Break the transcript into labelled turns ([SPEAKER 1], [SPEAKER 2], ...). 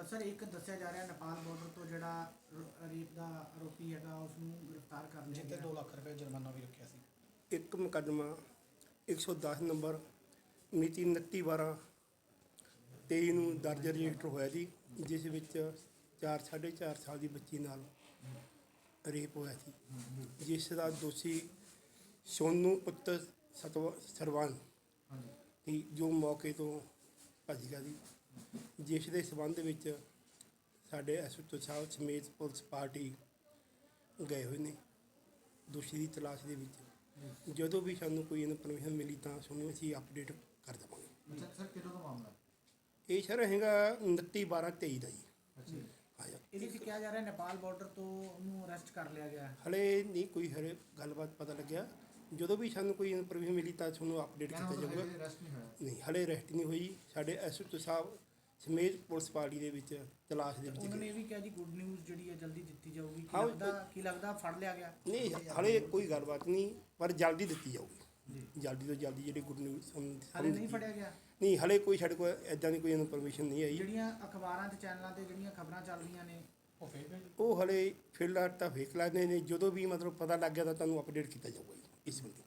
[SPEAKER 1] Sir ਇੱਕ ਦੱਸਿਆ ਜਾ ਰਿਹਾ ਨੇਪਾਲ ਬਾਰਡਰ ਤੋਂ ਜਿਹੜਾ ਰੇਪ ਦਾ ਆਰੋਪੀ ਹੈਗਾ ਉਸ ਨੂੰ ਗ੍ਰਿਫਤਾਰ ਕਰ ਲਿਆ
[SPEAKER 2] ਜਿੱਤੇ
[SPEAKER 1] ਗਿਆ।
[SPEAKER 2] 2 ਲੱਖ ਰੁਪਏ ਜੁਰਮਾਨਾ ਵੀ ਰੱਖਿਆ ਸੀ।
[SPEAKER 3] ਇੱਕ ਮੁਕੱਦਮਾ 110 ਨੰਬਰ ਮਿਤੀ 29/12/23 ਨੂੰ ਦਰਜ ਰਜਿਸਟਰ ਹੋਇਆ ਜੀ, ਜਿਸ ਵਿੱਚ 4.5 ਸਾਲ ਦੀ ਬੱਚੀ ਨਾਲ ਰੇਪ ਹੋਇਆ ਸੀ, ਜਿਸ ਦਾ ਦੋਸ਼ੀ ਸੋਨੂ ਪੁੱਤਰ ਸਰਵਾਨ ਸੀ, ਜੋ ਮੌਕੇ ਤੋਂ ਭੱਜ ਗਿਆ ਸੀ, ਜਿਸ ਦੇ ਸਬੰਧ ਵਿੱਚ ਸਾਡੇ ਐਸਓਟੀ ਸਾਹਿਬ ਸਮੇਤ ਪੁਲਿਸ ਪਾਰਟੀ ਗਏ ਹੋਏ ਨੇ ਦੋਸ਼ੀ ਦੀ ਤਲਾਸ਼ ਦੇ ਵਿੱਚ। ਜਦੋਂ ਵੀ ਸਾਨੂੰ ਕੋਈ ਇਨਫੋਰਮੇਸ਼ਨ ਮਿਲੀ ਤਾਂ ਸਾਨੂੰ ਅਸੀਂ ਅਪਡੇਟ ਕਰ ਦੇਵਾਂਗੇ।
[SPEAKER 1] ਅੱਛਾ ਸਰ, ਕਿਹੜਾ ਦਾ ਮਾਮਲਾ?
[SPEAKER 3] ਇਹ ਸਰ ਹੈਗਾ 29/12/23 ਦਾ ਜੀ।
[SPEAKER 1] ਅੱਛਾ,
[SPEAKER 3] ਆਇਆ
[SPEAKER 1] ਇਹਦੇ ਵਿੱਚ ਕਿਹਾ ਜਾ ਰਿਹਾ ਨੇਪਾਲ ਬਾਰਡਰ ਤੋਂ ਉਹਨੂੰ ਅਰੈਸਟ ਕਰ ਲਿਆ ਗਿਆ।
[SPEAKER 3] ਹਲੇ ਨਹੀਂ ਕੋਈ ਹਲੇ ਗੱਲਬਾਤ ਪਤਾ ਲੱਗਿਆ। ਜਦੋਂ ਵੀ ਸਾਨੂੰ ਕੋਈ ਇਨਫੋਰਮੇਸ਼ਨ ਮਿਲੀ ਤਾਂ ਤੁਹਾਨੂੰ ਅਪਡੇਟ ਕੀਤਾ ਜਾਊਗਾ। ਨਹੀਂ ਹਲੇ ਅਰੈਸਟ ਨਹੀਂ ਹੋਈ। ਸਾਡੇ ਐਸਓਟੀ ਸਾਹਿਬ ਸਮੇਤ ਪੁਲਿਸ ਪਾਰਟੀ ਦੇ ਵਿੱਚ ਤਲਾਸ਼ ਦੇ ਵਿੱਚ
[SPEAKER 1] ਉਹਨਾਂ ਨੇ ਇਹ ਵੀ ਕਿਹਾ ਜੀ ਗੁੱਡ ਨਿਊਜ਼ ਜਿਹੜੀ ਹੈ ਜਲਦੀ ਦਿੱਤੀ ਜਾਊਗੀ।
[SPEAKER 3] ਹਾਂ,
[SPEAKER 1] ਕੀ ਲੱਗਦਾ ਫੜ ਲਿਆ ਗਿਆ?
[SPEAKER 3] ਨਹੀਂ ਹਲੇ ਕੋਈ ਗੱਲਬਾਤ ਨਹੀਂ, ਪਰ ਜਲਦੀ ਦਿੱਤੀ ਜਾਊਗੀ। ਜਲਦੀ ਤੋਂ ਜਲਦੀ ਜਿਹੜੀ ਗੁੱਡ ਨਿਊਜ਼
[SPEAKER 1] ਹਾਲੇ ਨਹੀਂ ਫੜਿਆ ਗਿਆ?
[SPEAKER 3] ਨਹੀਂ ਹਲੇ ਕੋਈ ਸਾਡੇ ਕੋਲ ਇੱਦਾਂ ਦੀ ਕੋਈ ਇਨਫੋਰਮੇਸ਼ਨ ਨਹੀਂ ਆਈ।
[SPEAKER 1] ਜਿਹੜੀਆਂ ਅਖਬਾਰਾਂ ਤੇ ਚੈਨਲਾਂ ਤੇ ਜਿਹੜੀਆਂ ਖਬਰਾਂ ਚੱਲ ਰਹੀਆਂ ਨੇ
[SPEAKER 2] ਉਹ ਫੇਕ ਹੈ ਜੀ।
[SPEAKER 3] ਉਹ ਹਲੇ ਫਿਲਹਾਲ ਤਾਂ ਵੇਖ ਲੈਂਦੇ ਨੇ। ਜਦੋਂ ਵੀ ਮਤਲਬ ਪਤਾ ਲੱਗ ਗਿਆ ਤਾਂ ਤੁਹਾਨੂੰ ਅਪਡੇਟ ਕੀਤਾ ਜਾਊਗਾ ਜੀ ਇਸ ਬੰਦੇ।